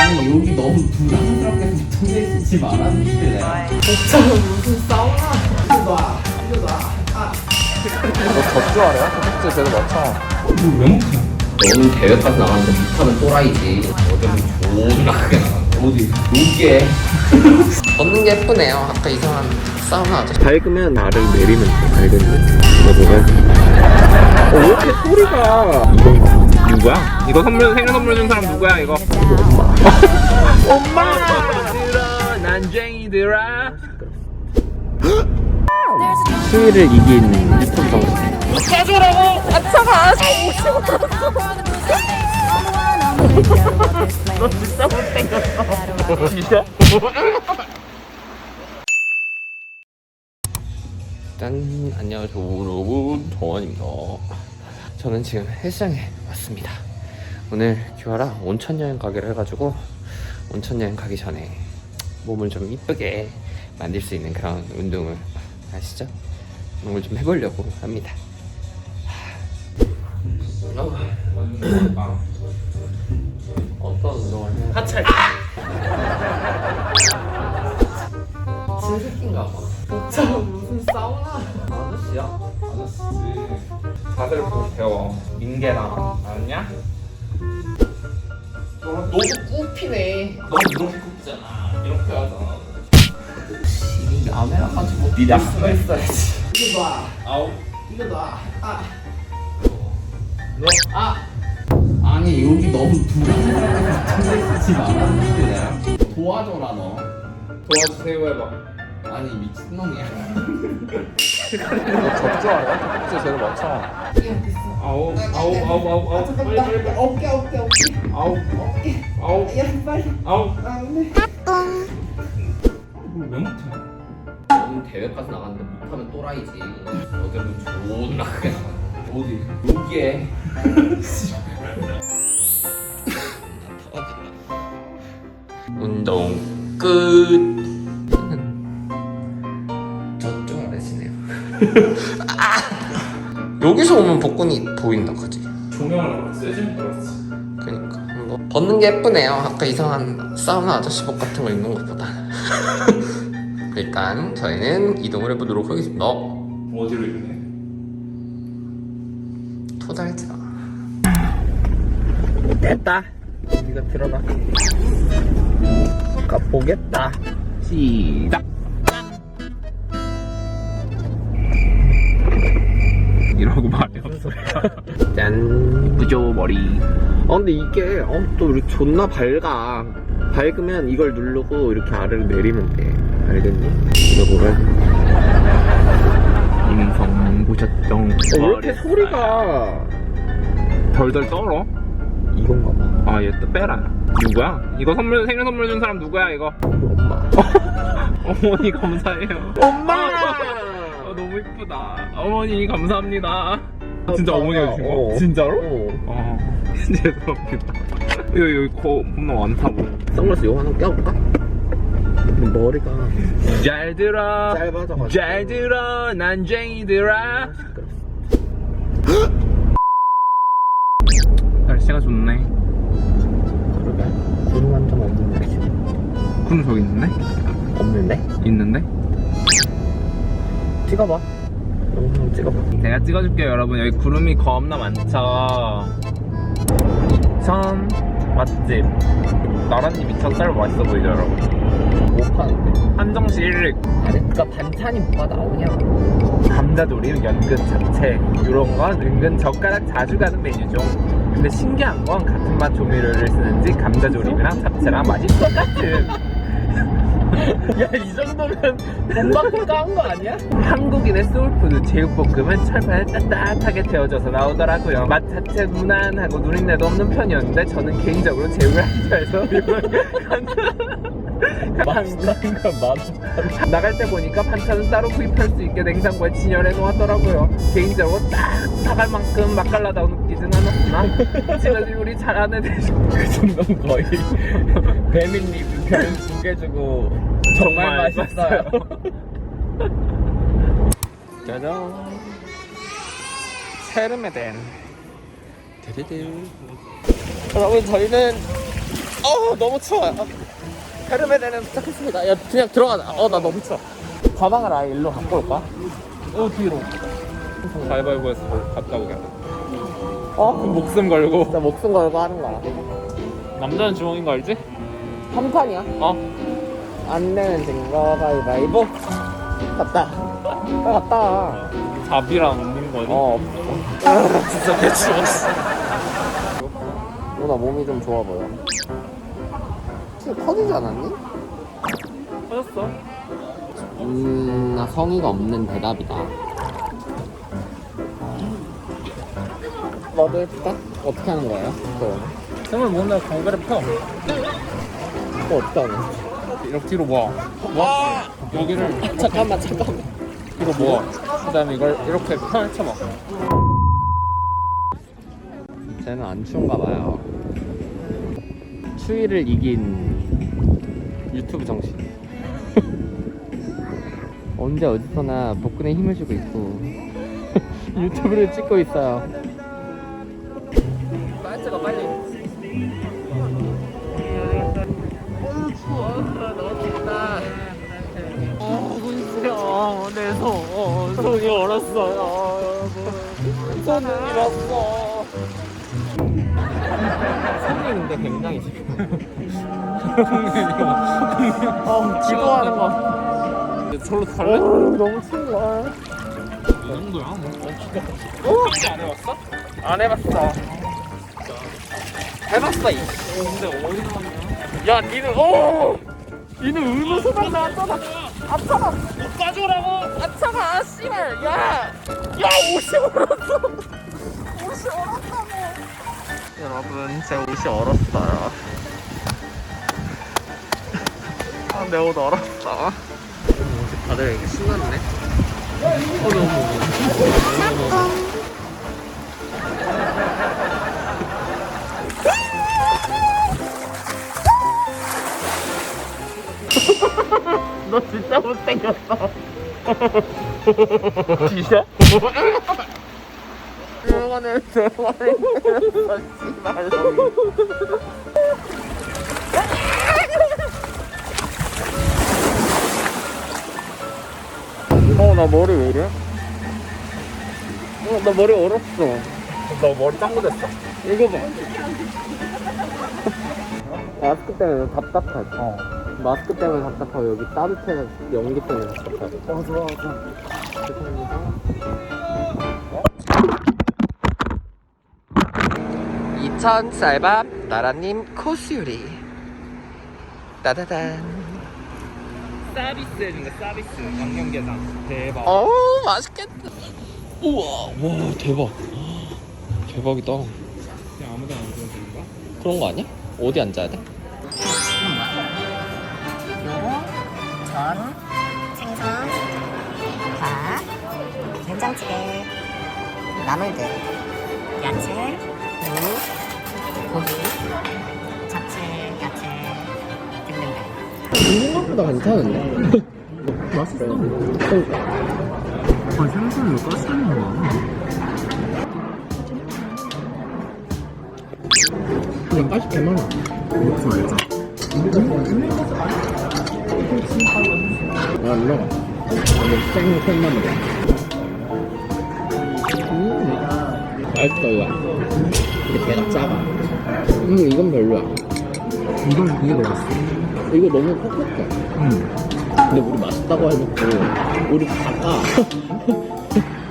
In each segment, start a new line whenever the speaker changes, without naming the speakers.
아니 여기 너무 부담스럽게 붙어져 있지 말아주실래요?
저는 무슨 사우나?
이거 봐.
너 젖주하래? 도둑질 제대로 맞춰.
이거 왜 못해? 너는 대회까지 나갔는데 못하는 또라이지. 어제는 존나 크게 나갔어. 어디? 여기에.
걷는 게 예쁘네요. 아까 이상한 사우나 아저씨.
밝으면 나를 내리면 돼. 알겠니? 이거 뭐야? 왜 이렇게 소리가. 이건가? 누구야? 이거 선물, 생일 선물 준 사람 누구야, 이거? 엄마. 엄마! 난쟁이들아. 수위를 이긴 유튜브 방송.
짜주라고! 아차가! 너 진짜 못생겼어.
진짜?
짠! 안녕하세요 여러분, 정원입니다. 저는 지금 헬스장에 왔습니다. 오늘 규아랑 온천여행 가기로 해가지고 온천여행 가기 전에 몸을 좀 이쁘게 만들 수 있는 그런 운동을 아시죠? 그런 걸 좀 해보려고 합니다. 어떤 운동을 해요?
하체.
신새끼인가 봐.
저는 무슨 사우나?
아저씨야?
아저씨지. 자세를 보고 배워. 민계랑 알았냐?
너도 굽히네. 너 이렇게 굽잖아. 이렇게 하잖아. 이 아메랑 같이 못
니
수가 있어야지.
이거 봐.
아우.
이거 봐. 아니 여기 너무 부담스럽게 붙어져 있지 말아주실래요? 도와줘라 너.
도와주세요 해봐.
아니 미친놈이야.
너 젖주하래? 도둑질 제대로 맞춰. 아우. 빨리 빨리.
어깨.
아우. 아우.
야 빨리.
아우.
왜 못해? 너는 대회까지 나갔는데 못하면 또라이지. 어제는 존나 크게 나갔어. 어디? 여기에.
운동 끝. 저쪽 아래시네요. 여기서 오면 복근이 보인다 그지?
조명을 세지면 들었지.
그니까 뭐 벗는 게 예쁘네요. 아까 이상한 사우나 아저씨 복 같은 거 입는 것보다. 일단 저희는 이동을 해보도록 하겠습니다.
어디로 이러네?
토달자.
됐다. 네가 들어가. 가보겠다. 시작. 이러고 말해. 무슨 소리야? 짠. 이쁘죠 머리. 근데 이게 또 이렇게 존나 밝아. 밝으면 이걸 누르고 이렇게 아래로 내리면 돼. 알겠니? 이거 뭐라? 인성 보셨정. 왜 이렇게 소리가 덜덜 떨어? 이건가 봐. 아, 얘 또 빼라. 누구야? 이거 선물, 생일 선물 준 사람 누구야, 이거? 엄마. 어머니 감사해요. 엄마! 너무 이쁘다. 어머니 감사합니다. 진짜 어머니가 주신 거? 진짜로? 죄송합니다. 여기 겁나 많다, 뭐. 선글라스 이거 하나 껴볼까? 머리가. 잘 들어. 짧아져가지고. 잘 들어, 난쟁이들아. 날씨가 좋네. 그러게. 구름 한 점 없는 날씨. 구름 저기 있는데? 없는데? 있는데? 찍어봐. 영상 찍어봐. 제가 찍어줄게요, 여러분. 여기 구름이 겁나 많죠. 이천 맛집. 나라님 이천 쌀 맛있어 보이죠, 여러분? 못 파는데? 한정식 1릭.
아니 그니까 반찬이 뭐가 나오냐?
감자조림, 연근, 잡채 이런 건 은근 젓가락 자주 가는 메뉴죠. 근데 신기한 건 같은 맛 조미료를 쓰는지 감자조림이랑 잡채랑 맛이 똑같은.
야 이 정도면 돈 받고 까운 거 아니야?
한국인의 소울푸드 제육볶음은 철판에 따뜻하게 데워져서 나오더라고요. 맛 자체 무난하고 누린내도 없는 편이었는데 저는 개인적으로 제육을 안 좋아해서 나갈 때 보니까 반찬은 따로 구입할 수 있게 냉장고에 진열해 놓았더라고요. 개인적으로 딱 사갈 만큼 맛깔나다고 느끼진 않았으나 집에서 요리 잘하는 대신
그 정도는 거의 배민님 별 2개 주고 정말 맛있어요.
짜잔. 세르메덴.
데데데.
여러분 저희는
너무 추워요. 헤르메네는 도착했습니다. 야, 그냥 들어가자. 나 너무 추워. 가방을 아예 일로 갖고 올까?
뒤로. 가위바위보에서 갔다 오게. 그럼 목숨 걸고.
진짜 목숨 걸고 하는 거야.
남자는 주먹인 거 알지?
3판이야? 안 내면 된거 가위바위보. 갔다. 갔다.
잡이랑 없는 거지?
진짜 개추웠어. 나 몸이 좀 좋아 보여. 진짜 커지지 않았니?
터졌어.
나 성의가 없는 대답이다. 너도 해줄까? 어떻게 하는 거예요?
손을 모으면 광배를 펴.
어떻게 하는 거야?
이렇게 뒤로 모아. 여기를
잠깐만.
뒤로 모아. 그 다음에 이걸 이렇게 펼쳐봐.
쟤는 안 추운가 봐요. 추위를 이긴 유튜브 정신. 언제 어디서나 복근에 힘을 주고 있고 유튜브를 찍고 있어요. 빨리 찍어 빨리. 추워. 너무 춥다. 군수형 내 손이 얼었어요 여러분. 손은 잃었어. 손이 근데 굉장히 지금 기도하는 거.
절로 갈래?
너무 추운 거야.
이 정도야 뭐. 안 해봤어?
안 해봤어. 해봤어.
근데 어디서 왔냐?
야 니는 니는 의무 소방 나왔잖아. 아차가
못 가져오라고!
아차가 씨발 야 옷이 얼었어. 옷이 얼었다고. 여러분 제 옷이 얼었어요. 내 옷 얼었어. 다들 이렇게 신났네. 너 진짜 못생겼어. 진짜? 이거는 제 머리 때렸어, 씨발. 나 머리 왜 이래? 나 머리 얼었어.
너 머리 짱구 됐어.
이거 봐. 마스크 때문에 답답하지? 마스크 때문에 답답하고 여기 따뜻해서 연기 때문에 답답하고. 맞아. 죄송합니다. 2000 쌀밥 나라님 코스 요리. 따다단.
서비스 해준 거 서비스. 양념게장. 대박.
맛있겠다. 우와, 와 대박. 대박이다.
그냥 아무데나 앉아도 되는 거야?
그런 거 아니야? 어디 앉아야 돼?
전, 생선, 밥, 된장찌개, 나물들, 야채, 무, 고기, 잡채, 야채 등등등.
생각보다 괜찮은데?
맛있어.
생선을 왜 가스는 거야? 그냥 가시 개 많아.
먹지 말자.
안 먹어. 생선만 먹어. 맛있어 이거. 근데 배가 작아. 이건 별로야.
이게 더 맛있어.
이거 너무 퍽퍽해. 근데 우리 맛있다고 해놓고 우리 다까.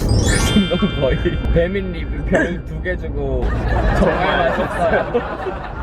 거의 배민 리뷰 별 2개 주고 정말 맛있었어요.